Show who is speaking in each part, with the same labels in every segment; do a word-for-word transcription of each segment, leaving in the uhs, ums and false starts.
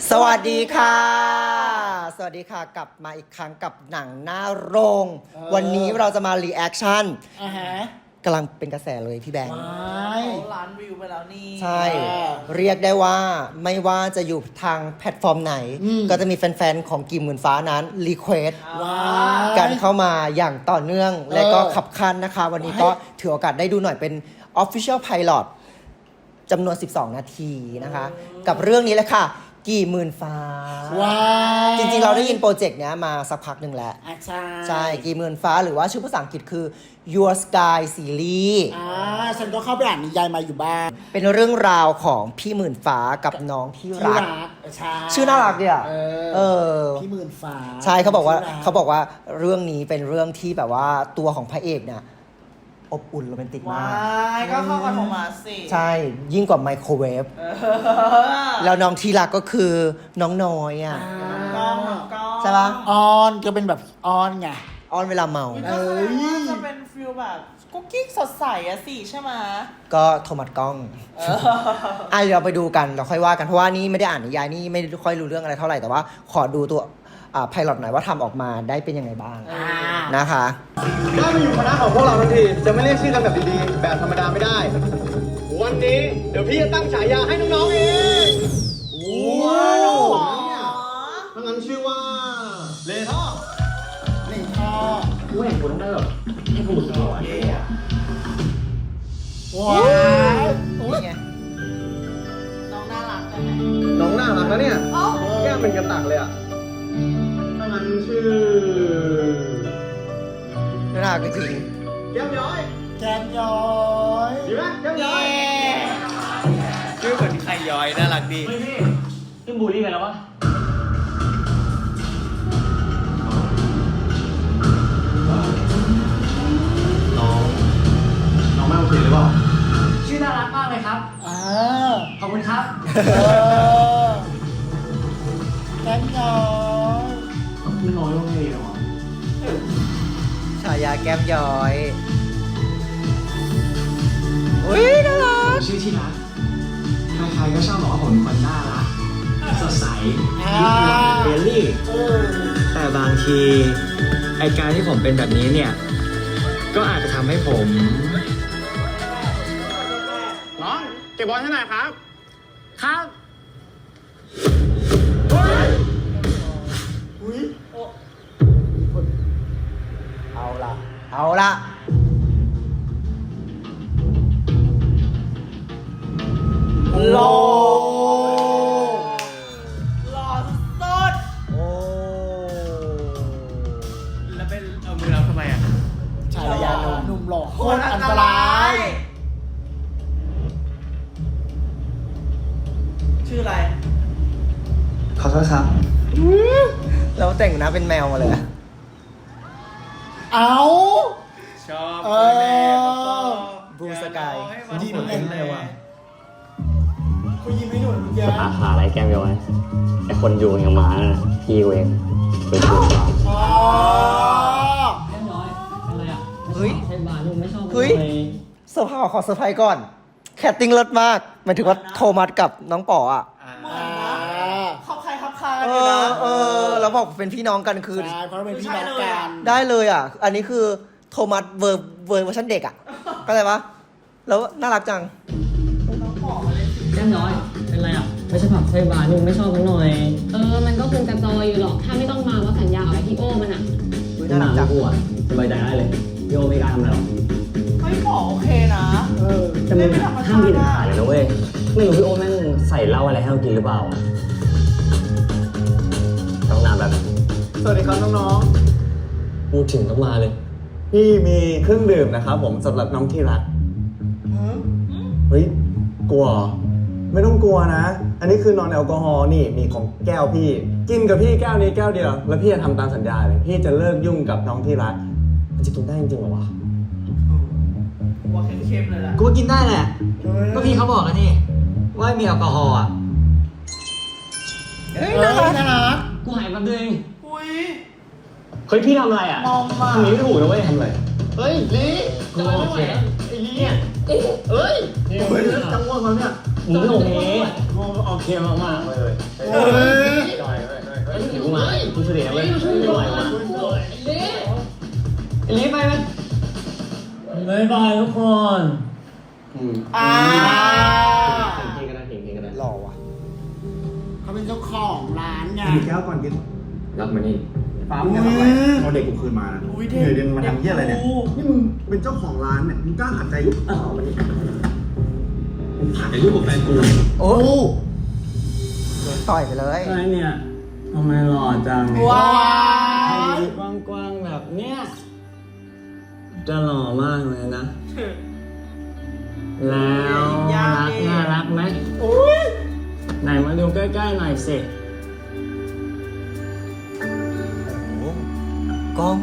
Speaker 1: สวัสดีค่ะสวัสดีค่ะกลับมาอีกครั้งกับหนังหน้าโรง วันนี้เราจะมารีแอคชั่นกำลังเป็นกระแสเลยพี่แบงค์
Speaker 2: ล้านวิวไปแล้วนี่
Speaker 1: ใช่เรียกได้ว่าไม่ว่าจะอยู่ทางแพลตฟอร์มไหน ก็จะมีแฟนๆของกี่หมื่นฟ้านั้นรีเควสกันเข้ามาอย่างต่อเนื่องและก็ขับคันนะคะวันนี้ก็ถือโอกาสได้ดูหน่อยเป็น Official Pilot จำนวนสิบสองนาทีนะคะกับเรื่องนี้เลยค่ะกี่หมื่นฟ้าว้าวจริงๆเราได้ยินโปรเจกต์เนี้ยมาสักพักหนึ่งแล้วใช่ใช่กี่หมื่นฟ้าหรือว่าชื่อภาษาอังกฤษคือ Your Sky Series
Speaker 3: อ่าฉันก็เข้าไปอ่านนิยายมาอยู่บ้าง
Speaker 1: เป็นเรื่องราวของพี่หมื่นฟ้ากับน้องที่รักชื่อน่ารักดีอ่ะเออ
Speaker 3: พี่หมื่นฟ้า
Speaker 1: ใช่เขาบอกว่าเขาบอกว่าเรื่องนี้เป็นเรื่องที่แบบว่าตัวของพระเอกเนี่ยอบอุ่นโรแมนติกมาก
Speaker 2: ก็เข้ากับโทมัสสิ
Speaker 1: ใช่ยิ่งกว่าไมโครเวฟแล้วน้องที่รักก็คือน้องน้อยอ่ะใช่ปะ
Speaker 3: ออนก็เป็นแบบออนไง
Speaker 1: ออนเวลาเมา
Speaker 2: เออจะเป็นฟิลแบบกุ๊กกิ๊กสดใสอะสิใช่ไหม
Speaker 1: ก็โทมัสกล้องอ่ะเดี๋ยวเราไปดูกันเราค่อยว่ากันเพราะว่านี่ไม่ได้อ่านนิยายนี่ไม่ค่อยรู้เรื่องอะไรเท่าไหร่แต่ว่าขอดูตัวอ่าไพลอตหน่อยว่าทำออกมาได้เป็นยังไงบ้างนะคะ
Speaker 4: ได้มาอยู่คณะของพวกเราทันทีจะไม่เรียกชื่อกันแบบดีๆแบบธรรมดาไม่ได้วันนี้เดี๋ยวพี่จะตั้งฉายาให้น้องๆเองว้าวทั้งนั้นชื่อว่าเลท่อ
Speaker 3: เลท่อ
Speaker 4: กูเห็นกูต้องได้แบบให้กูรู้สึกหล่อเท่อะ
Speaker 3: ว้าว
Speaker 1: อุ้ยไง
Speaker 2: น้องน่ารักใช่ไหม
Speaker 4: น้องน่ารักนะเนี่ยแก้มเป็นกระตักเลยอะทั้งนั้นชื่อ
Speaker 1: น่ารักจริง
Speaker 4: แก้มย้อย
Speaker 3: แก้มย้อย
Speaker 4: ดีไหมแก้มย้อย
Speaker 2: ชื่อเหมือนใครย้อยน่ารักดี
Speaker 4: เฮ้ยพี่ขึ้นบูลลี่กันแล้ววะน้องน้องไม่โอเคหรือเปล่าชื่อน่ารักมากเลยครับ
Speaker 3: อ่า
Speaker 4: ขอบคุณครับ
Speaker 3: แก้มย้อย
Speaker 4: ไม่น้อยโอเคหรอ
Speaker 1: ฉายาแก้มย้อยอุ้ยน่ารัก
Speaker 4: ชื่อที่รักใครๆก็ชอบบอกว่าผมเป็นคนน่ารักสดใสยิ้มหวานเบลลี่แต่บางทีไอการที่ผมเป็นแบบนี้เนี่ยก็อาจจะทำให้ผมน้องเก็บบอลให้หน่อยครับครับ
Speaker 1: อุ้ยเอาละเอาละ
Speaker 2: หล่อหล่อสุด
Speaker 1: โอ้
Speaker 2: แล้วเป็นเอามือเราทำไมอ่ะ
Speaker 3: ชายยาหนุ่มหล่อโคตรอันตราย
Speaker 2: ชื่ออะไร
Speaker 4: ขอโทษครับ
Speaker 1: แล้วแต่งหน้าเป็นแมวมาเลย
Speaker 3: เอา
Speaker 2: ชอบ
Speaker 3: เออ
Speaker 1: บูสกาย
Speaker 3: ยิ้มเลยว่ะเขายิ้มให้หนูเมื่อกี้
Speaker 5: อาขาอะไรแก้มย้อยไอคนอยู่อย่างหมานะพี่เองไปดู
Speaker 3: อ๋อ
Speaker 5: แก้มย้อยอะไรอ่ะ
Speaker 1: เฮ้ย
Speaker 5: ใช่บาร์ลูกไม่ชอบ
Speaker 1: เฮ้ยเซอร์ไพรส์ขอเซอร์ไพรส์ก่อนแคตติ้งเลิศมากหมายถึงว่าโทมัสกับน้องป๋ออ่ะ
Speaker 2: ขับใครขับใคร
Speaker 1: เออเออแล้วบอกเป็นพี่น้องกันคือ
Speaker 3: ใช่เพราะเป็นพี่น้องกัน
Speaker 1: ได้เลยอ่ะอันนี้คือโทมัสเวอร์เวอร์เวอร์ชันเด็กอ่ะเข้าใจปะแล้วน่ารักจัง
Speaker 5: แก้มย้อยเป็นไรอ่ะไม่ใช่ผับใช่บาร์ลูกไม่ชอบมันหน่อยเออมันก็คงกระจอยอยู่หรอกถ้าไม่ต้องมาว่าสัญญากับพี่โอมันอ่ะ
Speaker 1: น่ารักจัง
Speaker 5: อ่ะสบายใจได้เลยพี่โอไม่กล้าทำอะไรหรอก
Speaker 2: เฮ้ยหมอโอเคนะ
Speaker 5: เออแต่มึงห้ามกินอาหารเลยนะเว้ยไม่รู้พี่โอแม่งใส่เหล้าอะไรให้เรากินหรือเปล่าต้องนานแบบ
Speaker 4: สวัสดีครับน้อง
Speaker 5: ๆพูดถึงต้องมาเลย
Speaker 4: พี่มีเครื่องดื่มนะครับผมสำหรับน้องที่รักเฮ้ยกลัวไม่ต้องกลัวนะอันนี้คือนอนแอลกอฮอล์นี่มีของแก้วพี่กินกับพี่แก้วนี้แก้วเดียวแล้วพี่จะทำตามสัญญาเลยพี่จะเลิกยุ่งกับน้องที่รักมันจะกินได้จริงๆหรอวะ
Speaker 2: ว่าเค็มๆเลยล่ะ
Speaker 5: กูกินได้แหละก็พี่เขาบอกแล้วนี่ว่ามีแอลกอฮอล์อ่ะ
Speaker 1: เฮ้ยน่ารักน่ารัก
Speaker 5: กูหายแป๊บนึง
Speaker 2: อุ้ย
Speaker 5: เฮ้ยพี่ทำอะไรอ่ะ
Speaker 2: มองมา
Speaker 5: ทำนี้ไม่ถูกนะเว้ย
Speaker 4: ทำอะไรเฮ้ยลี
Speaker 5: กูโอเค
Speaker 4: ไอ้ลีเนี่ยเอ้ยจังหวะเขาเนี่ย
Speaker 5: มึงไม่โอเค
Speaker 4: โอเคมากๆเลย
Speaker 3: ว้ย
Speaker 5: ไม่ไหวว่ะไอ้ลิฟไปไหมบายบายทุกคน
Speaker 3: อืม
Speaker 2: อ่า
Speaker 3: เพลงก็ได้เพลงเพลงก็ได้
Speaker 1: หล่อว่ะ
Speaker 6: เขาเป็นเจ้าของร้านไง
Speaker 4: กินแก้วก่อนกิน
Speaker 3: รับมานี่
Speaker 4: ฟ้ามึงจะทำอะไรเอาเด็กกูคืนมานะ
Speaker 2: อุ้ย
Speaker 4: เดี๋ยวเดินมาทำเหี้ยอะไรเนี่ย
Speaker 2: ด็กกู
Speaker 4: นี่มึงเป็นเจ้าของร้านเนี่ย มึงกล้าขัดใจกูอ้าววันนี้
Speaker 3: ถ่ายรูปกับแฟนกู
Speaker 1: โอ้โดนต่อยไปเลย
Speaker 5: อะไรเนี่ยทำไมหล่อจัง
Speaker 2: ว้า
Speaker 5: ให้
Speaker 2: ย
Speaker 5: ดูกว้างๆแบบเนี้ยจะหล่อมากเลยนะ แล้วรักน่ารักไหม
Speaker 2: อุ้ย
Speaker 5: ไหนมาดูใกล้ๆหน่อยสิ
Speaker 1: โอ้กล้อง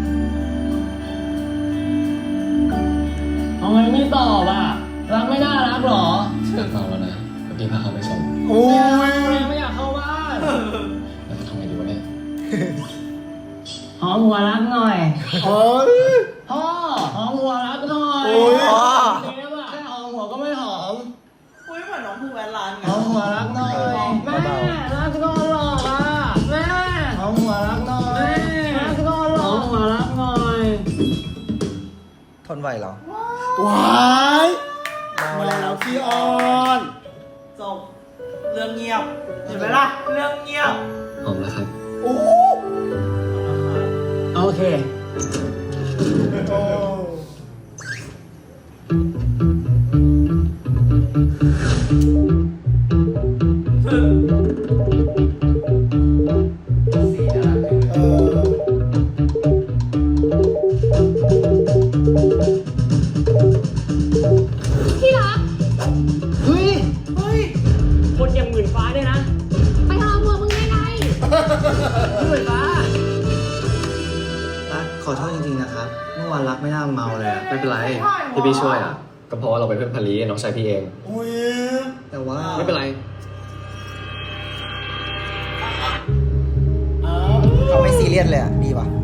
Speaker 5: ทำไมไม่ตอบอ่ะ รักไม่น่ารักหรอ
Speaker 3: เมาแล้วนะเมื่อกี้พาเขาไปส่ง
Speaker 6: โอ้ย
Speaker 5: ไม่อยากเข้าบ้าน
Speaker 3: แล้วจะทำไงดีวะเนี่ย
Speaker 5: หอมหัวรักหน่อย
Speaker 6: เฮ้ย
Speaker 5: พ่อหอมหัวรักหน่อย
Speaker 6: โอ้ย
Speaker 1: พ่อ
Speaker 5: เจ๊อะแค่หอมหัวก็ไม่หอม
Speaker 2: อุ้ยเหมือนน้องภูแวนร้านไง
Speaker 5: หอมหัวรักหน่อยแม่รักก็หลอกอ่ะแม่หอมหัวรักหน่อยรักก็หลอกหอมหัวรักหน่อย
Speaker 1: ทนไหวเหรอ
Speaker 6: ว้าย
Speaker 1: เมา
Speaker 6: มา
Speaker 1: แล้
Speaker 6: แล้ว วพี่ออน
Speaker 2: จบเรื่องเงียบ เห็นไหมล่ะ เรื่องเงียบ
Speaker 3: หอมแล้วครับ
Speaker 6: โอ้
Speaker 5: โอเค
Speaker 6: โอ้
Speaker 2: สีน่ารักจัง
Speaker 6: เออ
Speaker 7: ที่รัก
Speaker 5: เฮ้ย
Speaker 2: เฮ้ย
Speaker 5: คนอย่างหมื่นฟ้าด้วยนะ
Speaker 7: ไปหาผัวมึงไงไง
Speaker 5: หมื่นฟ้า
Speaker 8: รักขอโทษจริงๆนะครับ เมื่อวานรักไม่น่าเมาเลยอะ
Speaker 3: ไม่เป็นไรที่พี่ช่วยอ่ะ ก็เพราะว่าเราเป็นเพื่อนพารีน้องชายพี่เอง
Speaker 6: โอ้ย
Speaker 8: แต่ว่า
Speaker 3: ไม่เป็นไร
Speaker 6: เออ
Speaker 1: เขาไม่ซีเรียสเลยอ่ะ ดีว่ะ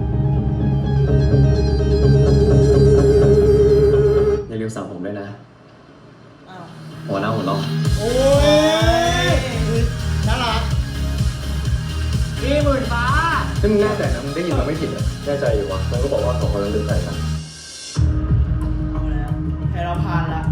Speaker 3: อย่าลืมสั่งผมด้วยนะ
Speaker 2: อ้าว
Speaker 3: หัวหน้าหัวน้อง
Speaker 6: โอ้ยน่ารัก
Speaker 5: พี่หมื่นฟ้า
Speaker 3: ถ้ามึงแน่ใจนะมึงได้ยินเราไม่ผิดอ่ะแน่ใจอยู่วะมันก็บอกว่าสองคนนั้นลืมใจกัน
Speaker 2: เอาแล้วให้เราพานละ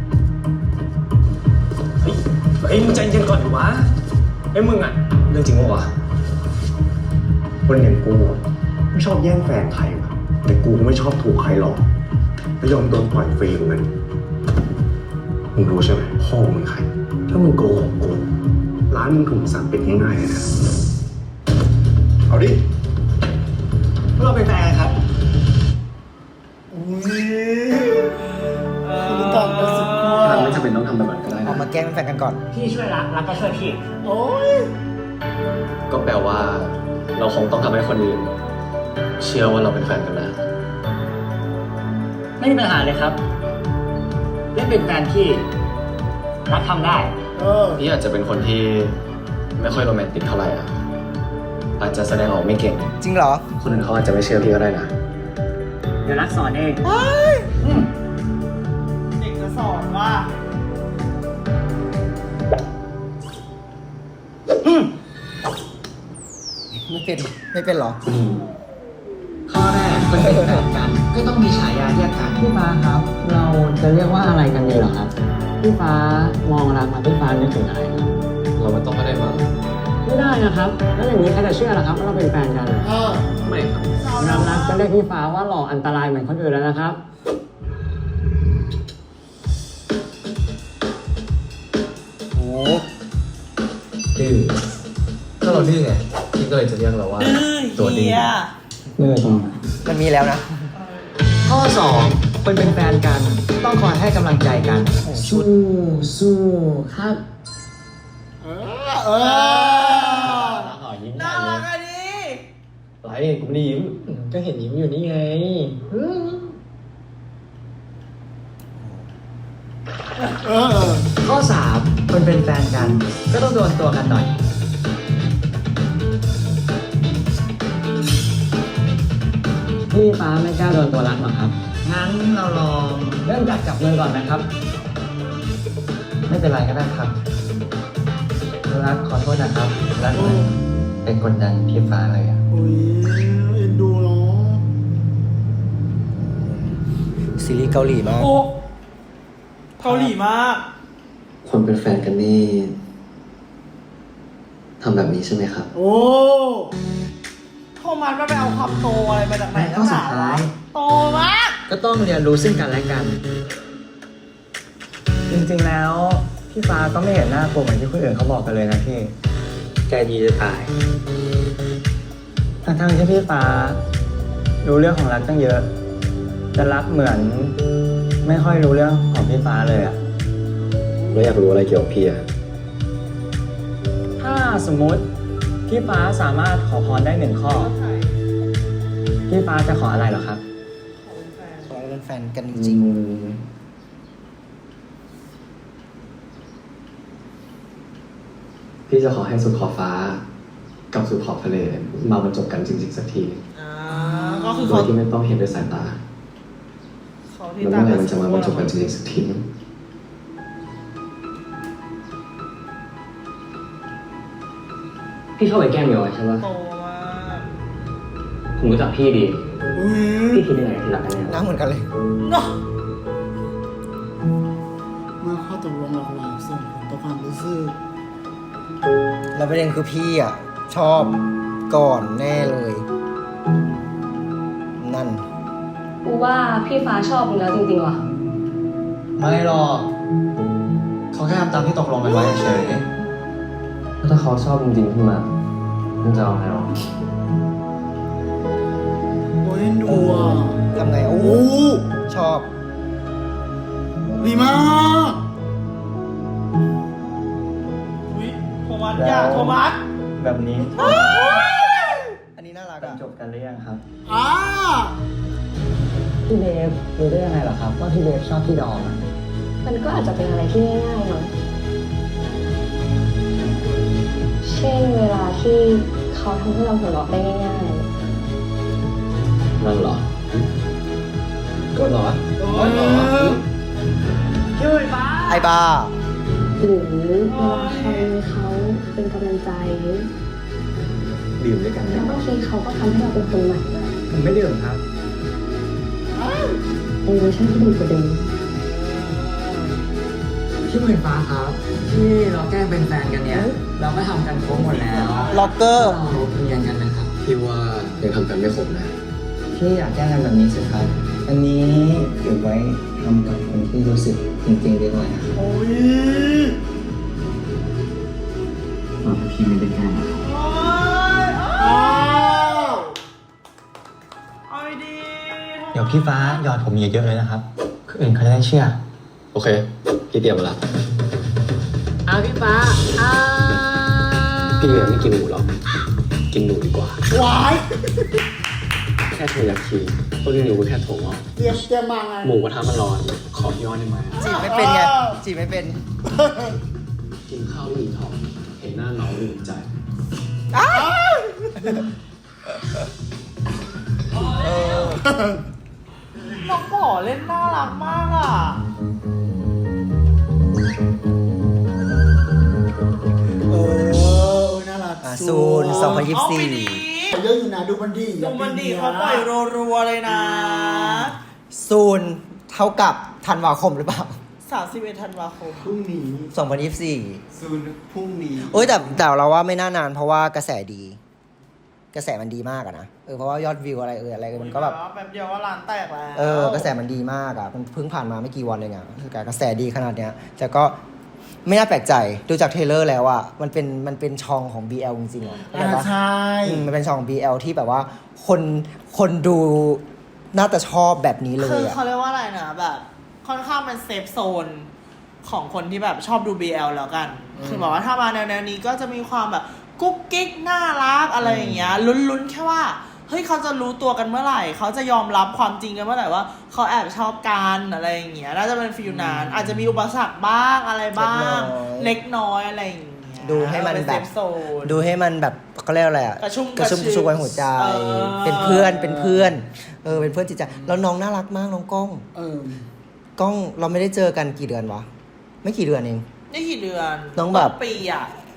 Speaker 3: เฮ้ยเฮ้ยมึงใจเย็นก่อนดิวะเฮ้ยมึงอ่ะเรื่องจริงปะวะ
Speaker 4: คนอย่างกูอะไม่ชอบแย่งแฟนใครวะแต่กูก็ไม่ชอบถูกใครหลอกไม่ยอมโดนปล่อยฟรีเหมือนกันมึงรู้ใช่ไหมพ่อมึงใคร ถ้ามึงโกหกกูร้านมึงถูกสั่งปิดง่ายๆเลยนะเอาดิ
Speaker 8: เราเป็นแฟนกันครับ
Speaker 6: อุ้ยคุณต่างกันสุดขั้ว
Speaker 3: เราไม่จำเป็นต้องทำแบบนั้นก็ได้
Speaker 1: เอา
Speaker 3: นะ
Speaker 1: มาแกล้งเป็นแฟนกันก่อน
Speaker 5: พี่ช่วยรัก รักก็ช่วยพี่
Speaker 6: โอ้ย
Speaker 3: ก็แปลว่า เราคงต้องทำให้คนอื่นเชื่อว่าเราเป็นแฟนกันนะ
Speaker 5: ไม่มีปัญหาเลยครับเล่นเป็นแฟนพี่รักทำได้
Speaker 6: เออ
Speaker 3: พี่อาจจะเป็นคนที่ไม่ค่อยโรแมนติกเท่าไหร่อ่ะ อาจจะแสดงออกไม่เก่ง
Speaker 1: จริงเหรอ
Speaker 3: คนอื่นเขาอาจจะไม่เชื่อพี่ก็ได้นะ
Speaker 5: เดี๋ยวรักสอนเอง
Speaker 2: เด็กจะสอนว่า
Speaker 1: ไม่เป็น ไม่เป็นเหรอ
Speaker 8: ข้อแรกคนเป็นแฟนกัน ก็ต้องมีฉายาเรียกกัน
Speaker 5: พี่ฟ้าครับ เราจะเรียกว่าอะไรกันดีเหรอครับ พี่ฟ้ามองรักมาพี่ฟ้านึกถึงอะไรครับ
Speaker 3: เราไม่ต้องก็ได้มั้ง
Speaker 5: ไม่ได้นะครับ แล้วอย่างนี้ใครจะเชื่อล่ะครับว่าเราเป็นแฟนกัน
Speaker 6: เออ
Speaker 3: ไม่ครับ
Speaker 5: น้ำรักจะเรียกพี่ฟ้าว่าหล่ออันตรายเหมือนคนอื่นแล้วนะครับ
Speaker 1: โอ้
Speaker 3: ดื้อถ้าเราดื้อไงพี่ก็เลยจะเรียกเราว่า
Speaker 2: ดื้อ
Speaker 3: ตัวดื้
Speaker 2: เฮี
Speaker 3: อย
Speaker 5: เมื่อตรง
Speaker 1: มันมีแล้วนะ
Speaker 8: ข้อสองคนเป็นแฟนกัน ต้องคอยให้กำลังใจกัน
Speaker 5: สู้สู้ครับ
Speaker 6: เออ เออ
Speaker 5: อ๋อยิ้ม
Speaker 2: น่ารักอะดิ
Speaker 3: ไรกูไม่ได้ยิ้ม
Speaker 5: ก็เห็นยิ้มอยู่นี่ไง
Speaker 6: เออ
Speaker 8: ข้อสามคนเป็นแฟนกัน ก็ต้องโดนตัวกันหน่อย
Speaker 5: พี่ฟ้าไม่กล้าโดนตัวรักหรอครับ
Speaker 8: งั้นเราลอง
Speaker 5: เริ่มจากจับมือก่อนนะครับ
Speaker 8: ไม่เป็นไรก็ได้ครับรักขอโทษนะครับรักนะไปกดดันพี่ฟ้าเลยอะ
Speaker 6: อุ้ยเอ็นดูเนาะ
Speaker 1: ซีรีส์เกาหลีมาก
Speaker 2: โอ้เกาหลีมาก
Speaker 3: คนเป็นแฟนกันนี่ทำแบบนี้ใช่ไหมครับ
Speaker 6: โอ้
Speaker 2: โทมัสมันไปเอาความโตอะไรมาจากไหน
Speaker 8: ข้อสุดท้าย
Speaker 2: โตมาก
Speaker 8: ก็ต้องเรียนรู้ซึ่งกันและกัน
Speaker 5: จริงๆแล้วพี่ฟ้าก็ไม่เห็นหน้ากลัวเหมือนที่คนอื่นเขาบอกกันเลยนะพี่
Speaker 8: ใจดีจะตาย
Speaker 5: ทั้งๆที่พี่ฟ้ารู้เรื่องของรักตั้งเยอะแต่รักเหมือนไม่ค่อยรู้เรื่องของพี่ฟ้าเลยอะ
Speaker 3: แล้วอยากรู้อะไรเกี่ยวกับพี่อะ
Speaker 5: ถ้าสมมุติพี่ฟ้าสามารถขอพรได้หนึ่งข้อ พี่ฟ้าจะขออะไรเหรอครับ
Speaker 1: ขอให้เป็นแฟนกันจริง
Speaker 3: พี่จะขอให้สุดขอบฟ้า กับสุดขอบทะเลมาบรรจบกันจริงๆสักที
Speaker 2: อ่าก็คือ
Speaker 3: โด
Speaker 2: เขา
Speaker 3: ยที่ไม่ต้องเห็นด้วยสายตา
Speaker 2: เขาที่
Speaker 3: แล้ว
Speaker 2: ตา
Speaker 3: เมื่อไหร่มันจะมาบรรจบกันจริงๆสักที
Speaker 8: พี่เข้าไปแกล้งเมียวใช่ปะ
Speaker 2: โตมาก
Speaker 8: ผมรู้จักพี่ดี
Speaker 6: อุ้ย
Speaker 8: พี่คิดยังไงที่รักกันแน่
Speaker 1: ๆหน้าเหมือนกันเลย
Speaker 2: เนาะ
Speaker 6: เมื่อข้อตกลงหลอกหลอนส่งผลต่อความรู้สึก
Speaker 1: แล้วประเด็นคือพี่อ่ะ ชอบก่อนแน่เลย นั่น
Speaker 7: กูว่าพี่ฟ้าชอบมึงแล้วจริงๆว่ะ
Speaker 8: ไม่หรอกเขาแค่ทำตามที่ตกลงกันไว้เฉยถ้าเขาชอบจริงๆขึ้นมามันจะเอาไงหรอ
Speaker 6: โอ้ยเอ็นดูอ่ะ
Speaker 1: ทำไงโอ้โห
Speaker 6: โอ้
Speaker 1: ชอบ
Speaker 6: ดีมาก
Speaker 2: อุ้ยโทมัสอย่าโทมัส
Speaker 5: แบบนี้
Speaker 1: อันนี้น่ารัก
Speaker 5: บรร
Speaker 1: อ่ะ
Speaker 5: จบกันหรือยังครับ
Speaker 6: อ่า
Speaker 5: พี่เบฟรู้ได้ยังไงเหรอครับว่าพี่เบฟชอบพี่ดอมอะ
Speaker 7: มันก็อาจจะเป็นอะไรที่ง่ายๆมั้งเช่นเวลาที่เขาทำให้เราหัวเราะได้ง่าย
Speaker 3: นั่นเหรอ ก็เหรอ
Speaker 6: โอ้ย
Speaker 1: ไอ้บ้า
Speaker 7: ๆหรือเวลาใครเขาเป็นกำลังใจ
Speaker 3: ดื่มด้วยกัน
Speaker 7: แล้วบางทีเขาก็ทำให้เราเป็นคนใหม่
Speaker 5: ผมไม่ดื่มครับ
Speaker 7: ในเวอร์ชันที่ดีกว่าเดิม
Speaker 8: พี่หมื่นฟ้าครับที่เราแกล้งเป็นแฟนกันเนี่ย เราก็ทำกันครบหมดแล้ว
Speaker 1: ล็อกเกอร์
Speaker 8: เราเพียงกันนะครับ
Speaker 3: พี่ว่ายังทำกันไม่ครบนะ
Speaker 5: พี่อยากแกล้งกันแบบนี้สิครับ อันนี้เก็บไว้ทำกับคนที่รู้สึกจริงๆดีกว่านะครับ
Speaker 6: โอ้ย
Speaker 8: พี่ไม่ได้แกล้งนะครับ
Speaker 2: โอ้ยโอ้
Speaker 6: อ้า
Speaker 2: ยว เอาดี
Speaker 5: เดี๋ยวพี่ฟ้าหยอดผมเยอะๆเลยนะครับคนอื่นเขาจะได้เชื่อ
Speaker 3: โอเค พี่เตรียมมาละ
Speaker 8: เอาพี่ฟ้าอ้า
Speaker 3: พี่ยังไม่กินหมูหรอก กินหนูดีกว่า
Speaker 6: วาย
Speaker 3: แค่เทยาคีต้นหนูก็แค่ถั่วงอก
Speaker 6: เตรียมเตรียมมาไง
Speaker 3: หมูกระทะมันร้อน ขอย้อนได้ไหม
Speaker 1: จีบไม่เป็นไง จีบไม่เป็น
Speaker 3: กินข้าวไม่อิ่มท้อง เห็นหน้าน้องไม่อิ่มใจ
Speaker 2: ๆน้องป๋อเล่นน่ารักมากอ่ะ
Speaker 6: เออน่ารัก
Speaker 1: อ่ะซูนสองพันยี่สิบสี่
Speaker 2: เอาไปดี
Speaker 6: เยอะอยู่นะดูมันดี
Speaker 2: ดูมันดีเขาปล่อยรัวๆเลยนะ
Speaker 1: ซูนเท่ากับธันวาคมหรือเปล่า
Speaker 2: สามสิบเอ็ดธันวาคม
Speaker 6: พรุ่งนี้
Speaker 1: สองพันยี่สิบสี่
Speaker 6: ซูนพรุ่งนี้
Speaker 1: โอ้ยแต่แต่เราว่าไม่น่านานเพราะว่ากระแสดี กระแสมันดีมากอะนะ เออเพราะว่ายอดวิวอะไรเอออะไรมันก็แบบ
Speaker 2: แป๊บเดียวว่าร้านแตกแล้ว
Speaker 1: เออกระแสมันดีมากอะมันเพิ่งผ่านมาไม่กี่วันเลยไงคือกระแสดีขนาดเนี้ยแต่ก็ไม่น่าแปลกใจดูจากเทรลเลอร์แล้วอะมันเป็นมันเป็นช่องของ บี แอล จริงๆอะเข้าใจ
Speaker 6: อ่า
Speaker 1: ปะ
Speaker 6: ใช่
Speaker 1: อืมมันเป็นช่อง บี แอล ที่แบบว่าคนคนดูน่าจะชอบแบบนี้เล
Speaker 2: คื
Speaker 1: ย
Speaker 2: อ
Speaker 1: อะ
Speaker 2: เขาเรียกว่าอะไรนะแบบ ค่อนข้างเป็นเซฟโซนของคนที่แบบชอบดู บี แอล แล้วกัน คือบอกว่าถ้ามาแนวๆนี้ก็จะมีความแบบกุ๊กกิ๊กน่ารักอะไรอย่างเงี้ยลุ้นๆแค่ว่าเฮ้ยเขาจะรู้ตัวกันเมื่อไหร่เขาจะยอมรับความจริงกันเมื่อไหร่ว่าเขาแอบชอบกันอะไรอย่างเงี้ยน่าจะเป็นฟิลนานอาจจะมีอุปสรรคบ้างอะไรบ้าง เล็กน้อยอะไรอย่างเงี้ย
Speaker 1: ดูให้มัน
Speaker 2: เป็
Speaker 1: แบ
Speaker 2: เซ
Speaker 1: บ
Speaker 2: ฟโซน
Speaker 1: ดูให้มันแบบเขาเรียกอะไรอะ
Speaker 2: กระชุ่ม
Speaker 1: กระชุ่ม
Speaker 2: ก
Speaker 1: ก
Speaker 2: ระ
Speaker 1: ระ
Speaker 2: ชวย
Speaker 1: ชุ่มกระชวยหัวใจ
Speaker 2: เออ
Speaker 1: เป็นเพื่อนเป็นเพื่อนเออเป็นเพื่อนจิตใจแล้วน้องน่ารักมากน้องก้อง
Speaker 6: เออ
Speaker 1: ก้องเราไม่ได้เจอกันกี่เดือนวะไม่กี่เดือนเอง
Speaker 2: นี่กี่เดือน
Speaker 1: น้องแบบ
Speaker 2: ปีอ่ะ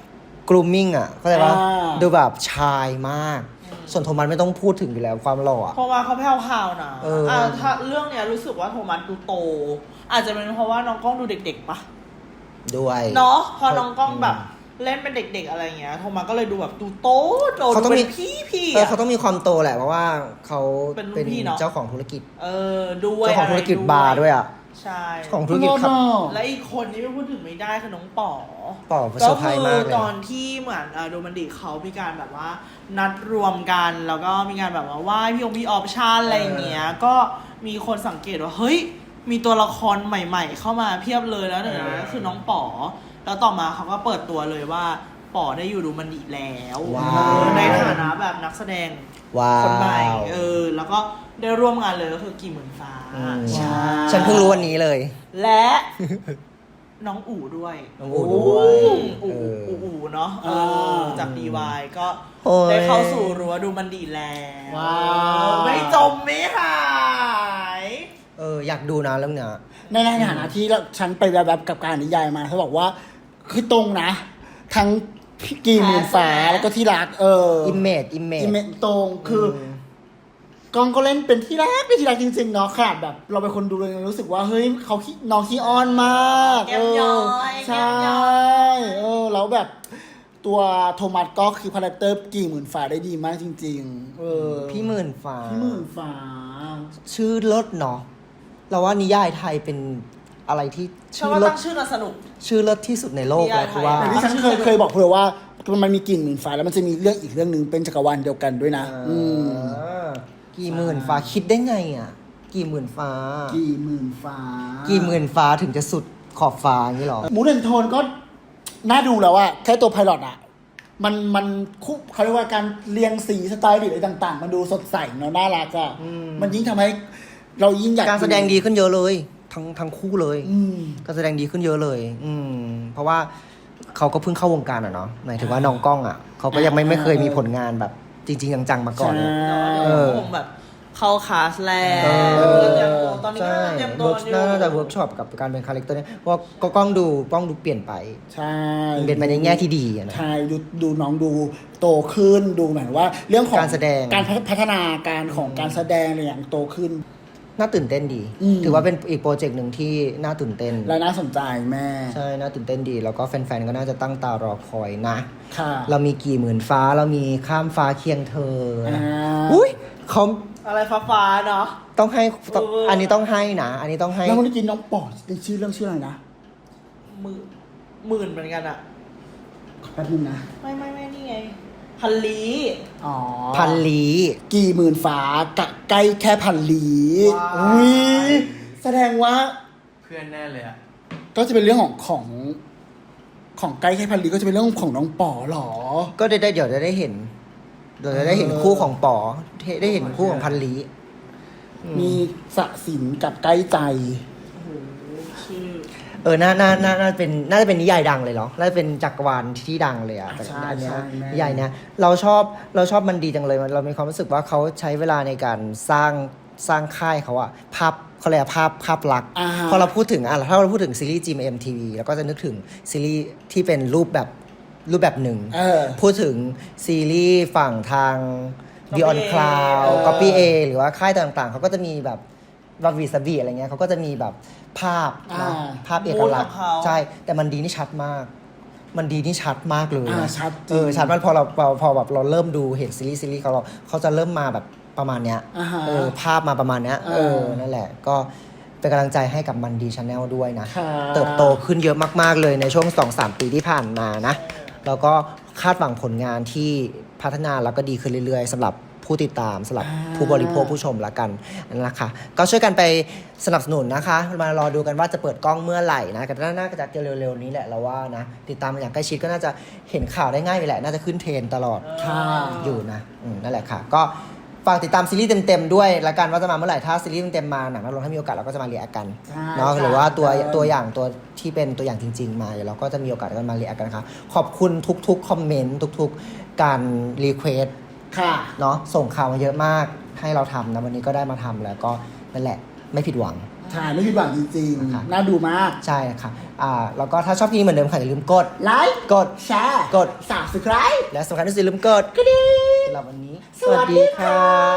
Speaker 1: กรูมมิ่งอ่ะเข้าใจปะ
Speaker 6: อ่า
Speaker 1: ดูแบบชายมาก ส่วนโทมัสไม่ต้องพูดถึงอยู่แล้วความหล่ออะ
Speaker 2: โทมัสเขาแผ่วๆนะ
Speaker 1: เอออ่
Speaker 2: ะถ้าเรื่องเนี้ยรู้สึกว่าโทมัสดูโต อาจจะเป็นเพราะว่าน้องกล้องดูเด็กๆปะ
Speaker 1: ด้วย
Speaker 2: เนาะพอน้องกล้องแบบเล่นเป็นเด็กๆอะไรเงี้ยโทมัสก็เลยดูแบบดูโตโต
Speaker 1: เขาต้อง
Speaker 2: ดู
Speaker 1: มี
Speaker 2: เป็นพี่พี่
Speaker 1: เออเขาต้องมีความโตแหละเพราะว่าเขา
Speaker 2: เป็นรุ่นพี่เนอะ
Speaker 1: เจ้าของธุรกิจ
Speaker 2: เออด้วย
Speaker 1: เจ้าของธุรกิจบาร์ด้วยอ่ะ
Speaker 2: ใช่
Speaker 1: เจ้าของธุรกิจครับ
Speaker 2: และอีกคนที่ไม่พูดถึงไม่ได้คือน้องป๋อ
Speaker 1: ป๋อเซ
Speaker 2: ก็
Speaker 1: อร์ไพร
Speaker 2: คื
Speaker 1: ส์มากเลย
Speaker 2: ตอนที่เหมือนเอ่อโดมันดิเขามีการแบบว่า นัดรวมกันแล้วก็มีการแบบว่าไหว้พี่องค์พี่ออปชั่นอะไรอย่างเงี้ยก็มีคนสังเกตว่าเฮ้ยมีตัวละครใหม่ๆ เข้ามาเพียบเลยแล้วหนึ่งในนั้นก็คือน้องป๋อแล้วต่อมาเขาก็เปิดตัวเลยว่าป๋อได้อยู่ดูมันดิแล้ว
Speaker 1: ว้าว
Speaker 2: เออในฐานะแบบนักแสดง
Speaker 1: ว้า
Speaker 2: คนใหม่
Speaker 1: ว
Speaker 2: เออแล้วก็ได้ร่วมงานเลยก็คือกี่หมื่นฟ้า
Speaker 1: อืม
Speaker 2: ใช่
Speaker 1: ฉันเพิ่งรู้วันนี้เลย
Speaker 2: และ น้องอู๋ด้วย
Speaker 1: น้องอู๋ด้วย
Speaker 2: อู๋
Speaker 1: เอออู๋
Speaker 2: อู๋อู๋เนาะเอ
Speaker 6: อ่า
Speaker 2: อจาก ดี วาย ก็
Speaker 1: โอ้ย
Speaker 2: ได้เข้าสู่รั้วดูมันดีแล้ว
Speaker 6: ว้าว
Speaker 2: ไม่จมไม่หาย
Speaker 1: เอออยากดูนะเรื่องเนี้ย
Speaker 6: ในในฐานะที่ฉันไปแบบๆกับการนิยายมาเขาบอกว่าคือตรงนะ ทั้งกี่หมื่นฟ้าแล้วก็ที่รัก เออ
Speaker 1: อิมเมจอิมเมจ
Speaker 6: อิเมจตรงคืออกองก็เล่นเป็นที่รักเป็นที่รักจริงๆเนาะขนาดแบบ เราเป็นคนดูเลยรู้สึกว่าเฮ้ยเขาขี้น้องขี้อ้อนมาก
Speaker 2: แก้มย้อย
Speaker 6: ใช่
Speaker 2: แก้มย้อย
Speaker 6: เออแล้วแบบตัวโทมัสก็คือคาแรคเตอร์กี่หมื่นฟ้าได้ดีมากจริง ๆ เออ
Speaker 1: พี่หมื่นฟ้า
Speaker 6: พี่หมื่นฟ้า
Speaker 1: ชื่อรถเนาะเราว่านิยายไทยเป็นอะไรที่
Speaker 2: เชื่อ
Speaker 1: ชื่อ
Speaker 2: ว่าร
Speaker 1: ถ
Speaker 2: ตั้งชื่อน่าสนุก
Speaker 1: ชื่อรถที่สุดในโลก
Speaker 2: นิยาย
Speaker 1: แล้วคือว่า
Speaker 2: ไทย
Speaker 6: แต่ที่ฉันเคยเคยบอกเพื่อว่ามันมีกลิ่นหมื่นฟ้าแล้วมันจะมีเรื่องอีกเรื่องหนึ่งเป็นจักรวาลเดียวกันด้วยนะ อืม
Speaker 1: กี่หมื่นฟ้าคิดได้ไงอ่ะ กี่หมื่นฟ้า
Speaker 6: กี่หมื่นฟ้า
Speaker 1: กี่หมื่นฟ้าถึงจะสุดขอบฟ้าอย่างนี้หรอ
Speaker 6: มูดแอนโทนก็น่าดูแล้วอะแค่ตัวไพลอตอะมันมันคุเขาเรียกว่าการเรียงสีสไตล์หรืออะไรต่าง ๆ มันดูสดใสเนาะน่ารักอะมันยิ่งทำให้เรายิ่งอยาก
Speaker 1: การแสดงดีขึ้นเยอะเลย ทั้งทั้งคู่เลย
Speaker 6: อืม
Speaker 1: การแสดงดีขึ้นเยอะเลย อืม เพราะว่าเขาก็เพิ่งเข้าวงการอ่ะเนาะหมายถึงว่าน้องกล้องอ่ะเขาก็ยังไม่
Speaker 6: อ่า
Speaker 1: ไม่เคยมีผลงานแบบจริง ๆ จังๆมาก่อนเลย
Speaker 6: ใช่
Speaker 1: เออ
Speaker 2: คงแบบเข้าคลาสแล้ว
Speaker 1: เออ
Speaker 2: เตรียมตัวตอนนี้ก็
Speaker 1: ใช่
Speaker 2: เตรียมตัว
Speaker 1: เวิร์ก
Speaker 2: อยู่
Speaker 1: น่าจะเวิร์กช็อปกับการเป็นคาแรคเตอร์เนี่ยเพราะว่าก็กล้องดูกล้องดูเปลี่ยนไป
Speaker 6: ใช่
Speaker 1: เปลี่ยนไปในแง่ที่ดีอะนะ
Speaker 6: ใช่ดูดูน้องดูโตขึ้นดูเหมือนว่า เรื่องของ
Speaker 1: การแสดง
Speaker 6: การพัฒนาการของการแสดงอะไรอย่างโตขึ้น
Speaker 1: น่าตื่นเต้นดี
Speaker 6: อืม
Speaker 1: ถือว่าเป็นอีกโปรเจกต์หนึ่งที่น่าตื่นเต้น
Speaker 6: และน่าสนใจแม่
Speaker 1: ใช่ น่าตื่นเต้นดี แล้วก็แฟนๆ ก็น่าจะตั้งตารอคอยนะ
Speaker 6: ค่ะ
Speaker 1: เรามีกี่หมื่นฟ้า เรามีข้ามฟ้าเคียงเธอนะ
Speaker 6: อ่า
Speaker 1: อุ้ยเขา
Speaker 2: อะไรฟ้าๆเนาะ
Speaker 1: ต้องให้ต้อง
Speaker 2: เอออั
Speaker 1: อันนี้ต้องให้นะ อันนี้ต้องให้
Speaker 6: แล้วเมื่อกี้น้องปอดในชื่อเรื่องชื่ออะไรนะ
Speaker 2: หมื่นหมื่นเหมือนกันอะ
Speaker 6: แป๊บนึงนะ
Speaker 2: ไม่ไม่ไม่นี่ไง พันลี
Speaker 6: อ๋อ
Speaker 1: พันลี
Speaker 6: กี่หมื่นฟ้ากะใกล้แค่พันลี
Speaker 2: ว้าว
Speaker 6: อุ้ยแสดงว่า
Speaker 8: เพื่อนแน่เลยอ่ะ
Speaker 6: ก็จะเป็นเรื่องของของ ของใกล้แค่พันลีก็จะเป็นเรื่องของน้องป๋อเหรอ
Speaker 1: ก็ได้ได้เดี๋ยวจะได้เห็น เดี๋ยวจะได้เห็นคู่ของป๋อได้เห็นคู่ของพันลี
Speaker 6: มีสะสินกับใกล้ใจ
Speaker 2: ชื่อ
Speaker 1: เออ น่า น่า น่า น่า เป็น น่าจะเป็นนิยายดังเลยเหรอ น่าจะเป็นจักรวาลที่ดังเลยอะ
Speaker 6: ใช่
Speaker 1: อันเนี้ย
Speaker 6: ใช่แม่
Speaker 1: นิยายเนี้ย เราชอบ เราชอบมันดีจังเลยมันเรามีความรู้สึกว่าเขาใช้เวลาในการสร้าง สร้างค่ายเขาอะภาพเขาเรียกว่าภาพ ภาพลักษณ์
Speaker 6: อ่าฮะ
Speaker 1: พอเราพูดถึงอะถ้าเราพูดถึงซีรีส์ จี เอ็ม ที วี แล้วก็จะนึกถึงซีรีส์ที่เป็นรูปแบบ รูปแบบหนึ่ง
Speaker 6: เออ
Speaker 1: พูดถึงซีรีส์ฝั่งทาง Beyond
Speaker 2: Copy A
Speaker 1: Cloud
Speaker 6: เออ
Speaker 1: Copy A หรือว่าค่ายต่างๆ เขาก็จะมีแบบวาวีสบีอะไรเงี้ยเขาก็จะมีแบบภาพนะ
Speaker 6: อ่า
Speaker 1: ภาพเอกลักษณ์
Speaker 2: มูดของเขา
Speaker 1: ใช่ แต่มันดีนี่ชัดมาก มันดีนี่ชัดมากเลย
Speaker 6: อ่า
Speaker 1: นะ
Speaker 6: ชัดจริง
Speaker 1: เออชัดมากพอเราพอพอแบบเราเริ่มดูเห็นซีรีส์ซีรีส์เขาเราเขาจะเริ่มมาแบบประมาณเนี้ย
Speaker 6: อ่าฮะ
Speaker 1: เออภาพมาประมาณเนี้ย
Speaker 6: อ่า
Speaker 1: เออนั่นแหละ ก็เป็นกำลังใจให้กับมันดีชาแนลด้วยนะ
Speaker 6: ค่ะ
Speaker 1: เติบโตขึ้นเยอะมากๆเลยในช่วง สองถึงสาม ปีที่ผ่านมานะ แล้วก็คาดหวังผลงานที่พัฒนาแล้วก็ดีขึ้นเรื่อยๆสำหรับผู้ติดตามสำหรับผู้บริโภคผู้ชมละกันนะคะ ก็ช่วยกันไปสนับสนุนนะคะ มารอดูกันว่าจะเปิดกล้องเมื่อไหร่นะก็น่าจะเร็วๆนี้แหละเราว่านะ ติดตามอย่างใกล้ชิดก็น่าจะเห็นข่าวได้ง่ายอยู่แหละ น่าจะขึ้นเทรนด์ตลอด
Speaker 6: ค่ะ
Speaker 1: อยู่นะอืมนั่นแหละค่ะ ก็ฝากติดตามซีรีส์เต็มๆด้วยละกันว่าจะมาเมื่อไหร่ถ้าซีรีส์เต็มๆมาหนังนักลงถ้ามีโอกาสเราก็จะมาเรียกกัน
Speaker 6: ใช่
Speaker 1: เนาะ
Speaker 6: ใช่
Speaker 1: หรือว่าตัว
Speaker 6: เออ
Speaker 1: ตัวอย่างตัวที่เป็นตัวอย่างจริง ๆ มาเดี๋ยวเราก็จะมีโอกาสกันมาเรียกกันนะคะขอบคุณทุกๆคอมเมนต์ทุกๆการรีเควส
Speaker 6: ค่ะ
Speaker 1: เนาะส่งข่าวมาเยอะมากให้เราทำนะวันนี้ก็ได้มาทำแล้วก็นั่นแหละไม่ผิดหวัง
Speaker 6: อถ่ายไม่ผิดหวังจริง
Speaker 1: ค่ะ
Speaker 6: ๆ น่าดูมาก
Speaker 1: ใช่ค่ะอ่าแล้วก็ถ้าชอบคลิปนี้เหมือนเดิมค่ะอย่าลืมกด
Speaker 6: ไลค์
Speaker 1: กด
Speaker 6: แชร์
Speaker 1: กด
Speaker 6: subscribe
Speaker 1: และสำคัญที่สุดอย่าลืมกด
Speaker 6: กระดิ่ง
Speaker 1: สำหรับวันนี้
Speaker 6: สวัสดีค่ะ